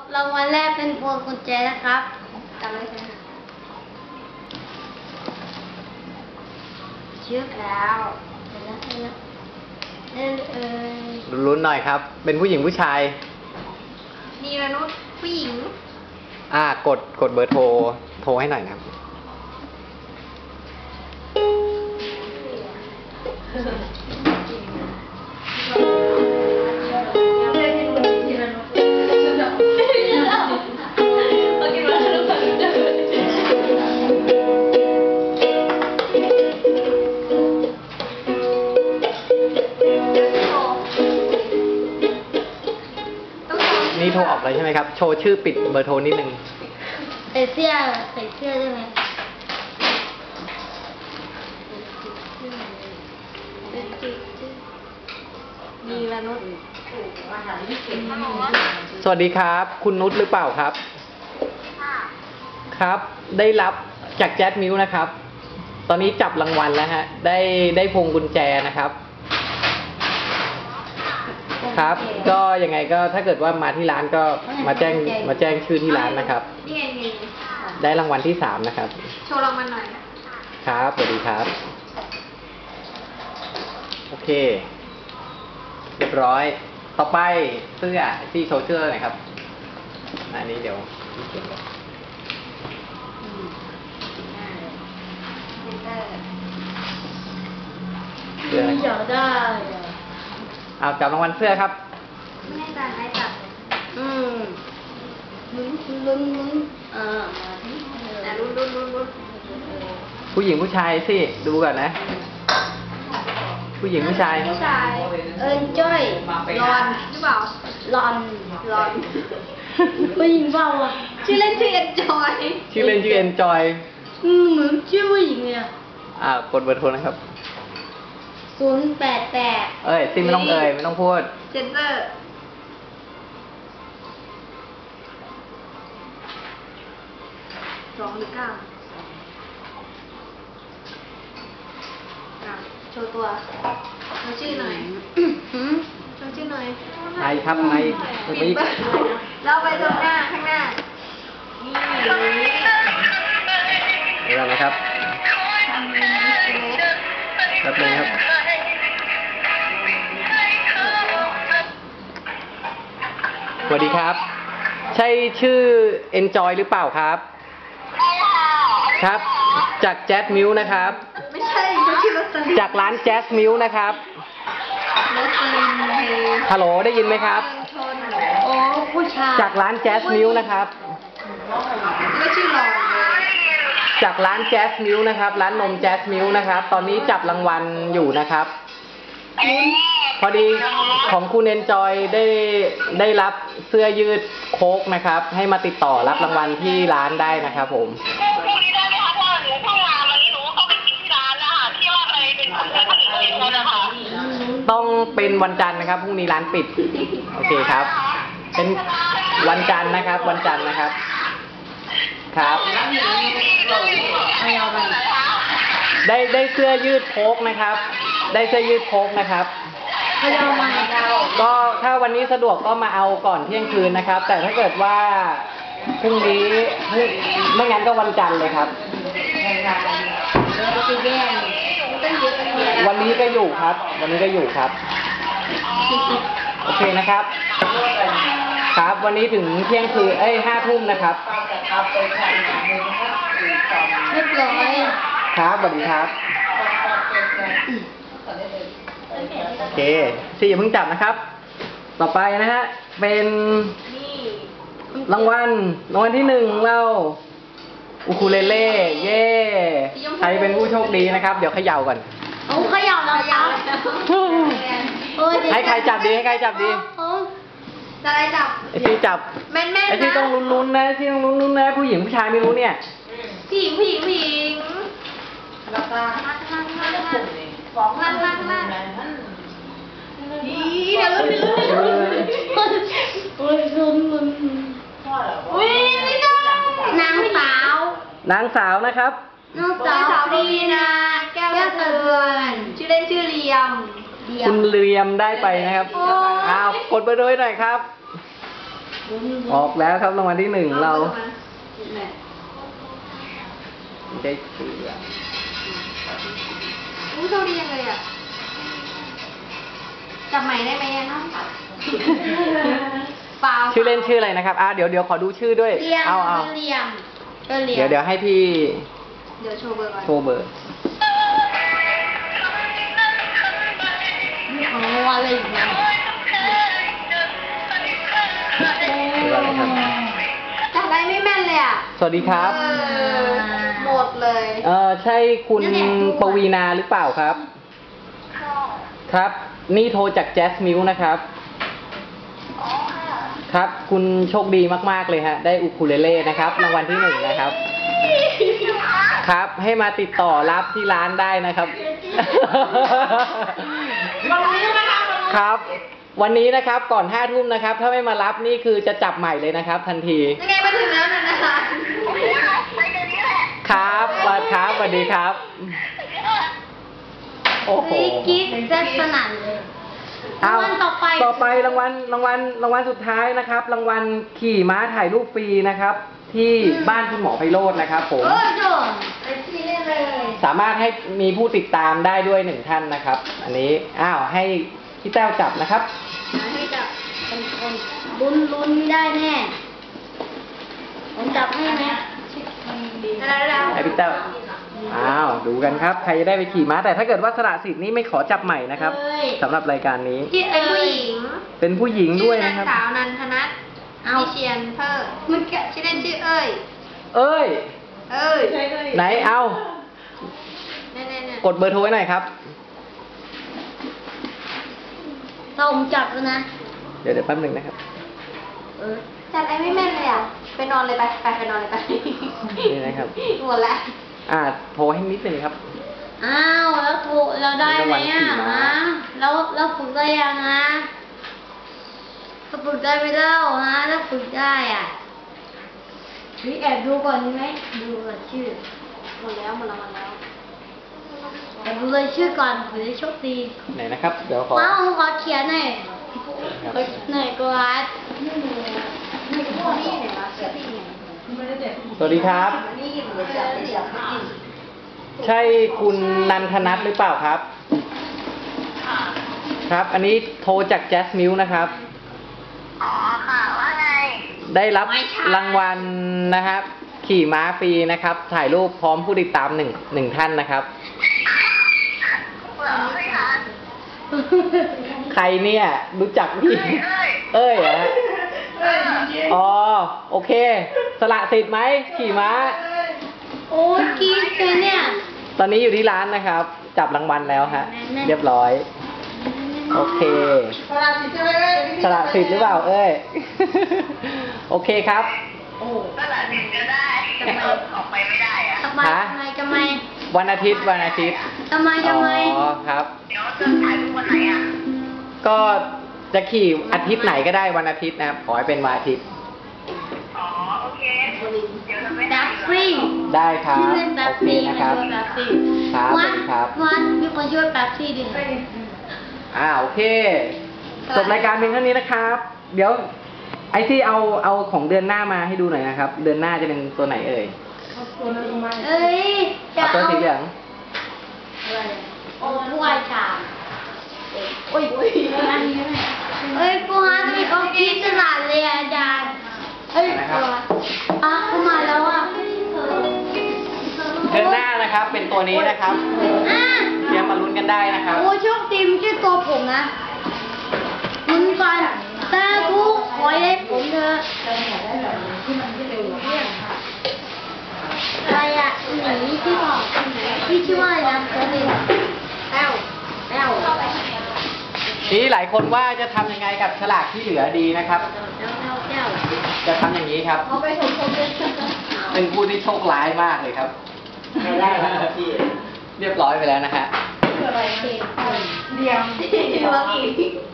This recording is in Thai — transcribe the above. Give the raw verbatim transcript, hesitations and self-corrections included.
รางวัลแรกเป็นพวงกุญแจนะครับจำไว้ใช่ไหมชื่อแล้วเห็นแล้วเห็นแล้วเล่นเอ่ยลุ้นๆหน่อยครับ เป็นผู้หญิงผู้ชายนีรนุชผู้หญิงอ่ากดกดเบอร์โทรโทรให้หน่อยนะครับนี่โทรออกเลยใช่ไหมครับ โชว์ชื่อปิดเบอร์โทรนิดนึงใส่เสื้อใส่เสื้อได้ไหมมีละนุชสวัสดีครับ คุณนุชหรือเปล่าครับครับ ได้รับจากแจ๊สมิวนะครับ ตอนนี้จับรางวัลแล้วฮะ ได้ได้พวงกุญแจนะครับครับก็ยังไงก็ถ้าเกิดว่ามาที่ร้านก็มาแจ้งมาแจ้งชื่อที่ร้านนะครับได้รางวัลที่สามนะครับโชว์รางวัลหน่อยครับสวัสดีครับโอเคเรียบร้อยต่อไปเสื้อที่โชว์เสื้อหน่อยครับอันนี้เดี๋ยวเสื้ออยากได้เอาจับรางวัลเสื้อครับไม่ให้การให้จับอืมลุ้นลุ้นลุ้นเออแต่ลุ้นลุ้นลุ้นลุ้นผู้หญิงผู้ชายสิดูก่อนนะผู้หญิงผู้ชายผู้ชายเอิญจ้อยรอนหรือเปล่า รอนรอนผู้หญิงเปล่าอ่ะชื่อเล่นชื่อเอ็นจอยชื่อเล่นชื่อเอ็นจอยอืมเหมือนชื่อผู้หญิงเลยอ่ะอ่ากดเบอร์โทรนะครับศูนย์แปดแปดเอ้ยซิไม่ต้องเอ่ยไม่ต้องพูดเซนเตอร์สองหรือเก้าโชว์ตัวโชว์ชื่อหน่อยโชว์ชื่อหน่อยไอครับไอปิดเราไปตรงหน้าข้างหน้านี่เดี๋ยวนะครับแป๊บนึงครับสวัสดีครับใช่ชื่อ Enjoy หรือเปล่าครับครับจากแจ๊สมิวนะครับไม่ใช่ชื่อรสลินจากร้านแจ๊สมิวนะครับรสลินฮัลโหลได้ยินไหมครับโอ้ผู้ชายจากร้านแจ๊สมิวนะครับไม่ชื่อหรอกจากร้านแจ๊สมิวนะครับร้านนมแจ๊สมิวนะครับตอนนี้จับรางวัลอยู่นะครับพอดีของคุณเอนจอยได้ได้รับเสื้อยืดโค้กนะครับให้มาติดต่อรับรางวัลที่ร้านได้นะครับผมพรุ่งนี้ได้ไหมคะเพราะว่าหนูเพิ่งมาวันนี้หนูเข้าไปกินที่ร้านแล้วค่ะที่ว่าไปเป็นคนเสื้อผู้หญิงเองแล้วนะคะต้องเป็นวันจันทร์นะครับพรุ่งนี้ร้านปิดโอเคครับเป็นวันจันทร์นะครับวันจันทร์นะครับครับได้ได้เสื้อยืดโค้กนะครับได้เสื้อยืดโค้กนะครับก็ถ้าวันนี้สะดวกก็มาเอาก่อนเที่ยงคืนนะครับ แต่ถ้าเกิดว่าพรุ่งนี้ไม่งั้นก็วันจันทร์เลยครับวันนี้ก็อยู่ครับวันนี้ก็อยู่ครับโอเคนะครับครับวันนี้ถึงเที่ยงคืนเอ้ยห้าทุ่มนะครับเรียบร้อยครับสวัสดีครับโอเคสี่อย่าเพิ่งจับนะครับต่อไปนะฮะเป็นรางวัลรางวัลที่หนึ่งเราอูคูเลเล่เย่ใครเป็นผู้โชคดีนะครับเดี๋ยวเขย่าก่อนโอ้เขย่าเรายับให้ใครจับดีให้ใครจับดีจะอะไรจับไอที่จับแม่นแม่นไอที่ต้องลุ้นๆนะที่ต้องลุ้นๆนะผู้หญิงผู้ชายไม่รู้เนี่ยผู้หญิงผู้หญิงผู้หญิงแล้วก็นั่งนั่งนั่งนั่งนั่งนั่งนั่งนี่เดี๋ยวลุ้นเดี๋ยวลุ้นโอ้ยลุ้นลุ้นอุ้ยไม่ได้นางสาวนางสาวนะครับนางสาวดีนะแก้วเตือนชื่อเล่นชื่อเลียมคุณเรียมได้ไปนะครับอ้าวกดไปด้วยหน่อยครับออกแล้วครับรางวัลที่หนึ่งเราได้เสืออู้โชคดียังเลยอ่ะจับใหม่ได้ไหมอ่ะน้องเปล่าชื่อเล่นชื่ออะไรนะครับอ่าเดี๋ยวเดี๋ยวขอดูชื่อด้วยเรียมเอาเอาเรียมก็เรียมเดี๋ยวเดี๋ยวให้พี่เดี๋ยวโชว์เบอร์ก่อนโชว์เบอร์อ๋ออะไรอีกนะเบอร์อะไรครับจับได้ไม่แม่นเลยอ่ะสวัสดีครับเออหมดเลยเออใช่คุณปวีนาหรือเปล่าครับ ครับ นี่โทรจากแจสมิวนะครับ ครับ คุณโชคดีมากๆเลยฮะ ได้อุคูเลเล่นะครับรางวัลที่หนึ่งนะครับ ครับ ให้มาติดต่อรับที่ร้านได้นะครับวันนี้นะคะครับ วันนี้นะครับก่อนห้าทุ่มนะครับ ถ้าไม่มารับนี่คือจะจับใหม่เลยนะครับ ทันทียังไงมาถึงแล้วนะนะคะครับสวัสดีครับสวัสดีครับ โอ้โหกิ๊กเจ็ดสนั่นเลยเอารางวัลต่อไปต่อไปรางวัลรางวัลรางวัลสุดท้ายนะครับ รางวัลขี่ม้าถ่ายรูปฟรีนะครับ ที่บ้านคุณหมอไพโรจน์นะครับผมเออโดนไปที่นี่เลยสามารถให้มีผู้ติดตามได้ด้วยหนึ่งท่านนะครับ อันนี้อ้าวให้พี่แต้วจับนะครับให้จับเป็นคนลุ้นลุ้นไม่ได้แน่ผมจับให้ไหมได้แล้วให้พี่แต้วอ้าวดูกันครับใครจะได้ไปขี่ม้าแต่ถ้าเกิดว่าสละสิทธิ์นี้ไม่ขอจับใหม่นะครับสำหรับรายการนี้ที่เป็นผู้หญิงเป็นผู้หญิงด้วยนะครับชื่อนางสาวนันทนัทวิเชียนเพิ่มมันชื่อเล่นชื่อเอ้ยเอ้ยเอ้ยไหนเอาเนี่ยเนี่ยเนี่ยกดเบอร์โทรไว้หน่อยครับเราผมจับแล้วนะเดี๋ยวเดี๋ยวแป๊บหนึ่งนะครับเออจับไอ้ไม่แม่นเลยอ่ะไปนอนเลยไปไปไปนอนเลยไปนี่นะครับหมดแล้วอ่าโทรให้นิดหนึ่งครับอ้าวแล้วถูกเราได้ไหมอ่ะรางวัลขี่ม้าฮะแล้วแล้วฝึกได้ยังฮะถ้าฝึกได้ไม่เล่าฮะถ้าฝึกได้อ่ะนี่แอบดูก่อนดีไหมดูก่อนชื่อหมดแล้วหมดแล้วหมดแล้วแอบดูเลยชื่อก่อนเผื่อจะโชคดีไหนนะครับ เดี๋ยวขอว้าวผมขอเขียนหน่อยครับหน่อยกราดนี่นี่นี่ไหนวะชื่อที่ไหนสวัสดีครับนี่เหมือนจะเดี๋ยวไม่กินใช่คุณนันทนัทหรือเปล่าครับ ครับ อันนี้โทรจากแจสมิวนะครับอ๋อค่ะว่าไงได้รับรางวัลนะครับ ขี่ม้าฟรีนะครับ ถ่ายรูปพร้อมผู้ติดตามหนึ่งหนึ่งท่านนะครับเหรอไม่คะใครเนี่ยรู้จักพี่เอ้ยเอ้ยเหรอฮะอ๋อโอเค สละสิทธิ์ไหมขี่ม้าโอ้ยกรีดเลยเนี่ยตอนนี้อยู่ที่ร้านนะครับ จับรางวัลแล้วฮะ เรียบร้อย โอเคสละสิทธิ์ใช่ไหมเอ้ยสละสิทธิ์หรือเปล่าเอ้ย โอเคครับโอ้ก็หลานถึงจะได้แต่ออกไปไม่ได้อะทำไมฮะทำไมทำไมวันอาทิตย์วันอาทิตย์ทำไมทำไมอ๋อครับเดี๋ยวจะถ่ายรูปวันไหนอ่ะก็จะขี่อาทิตย์ไหนก็ได้วันอาทิตย์นะครับ ขอให้เป็นวันอาทิตย์อ๋อโอเคเดี๋ยวจะไปแบถ่ายบฟรีได้ครับชื่อเล่นแบบโอฟเครีนะครับมันแบบฟรีครับวัดสวัสดีครับวัดมีคนช่วยแบบฟรีดิอ่าโอเค จบรายการเพียงเท่านี้นะครับ เดี๋ยวไอซี่เอาเอาของเดือนหน้ามาให้ดูหน่อยนะครับ เดือนหน้าจะเป็นตัวไหนเอ่ยเอ้ยจะเอาตัวเอาสีเหลืองโอ้ถ้วยชามโอ้ยโอ้ยเอ้ยปูฮามีเขาคิดตลาดเลยอาจารย์เอ้ยตัวอ่ะเข้ามาแล้วอ่ะเดือนหน้านะครับ เป็นตัวนี้นะครับอ่ะเตรียมมาลุ้นกันได้นะครับโอ้โชคดีไม่ใช่ตัวผมนะมึงก่อนตาทุกขอให้ผมเถอะอะไรอ่ะหนีที่บอกพี่ชื่อว่าอะไรนะตัวนี้แต้วแต้วทีหลายคนว่าจะทำยังไงกับฉลากที่เหลือดีนะครับแต้วแต้วแต้วจะทำอย่างนี้ครับเอาไปชมชมเลยเป็นผู้ที่โชคร้ายมากเลยครับ ไม่ได้ครับพี่ เรียบร้อยไปแล้วนะฮะเดียวเดียวอีก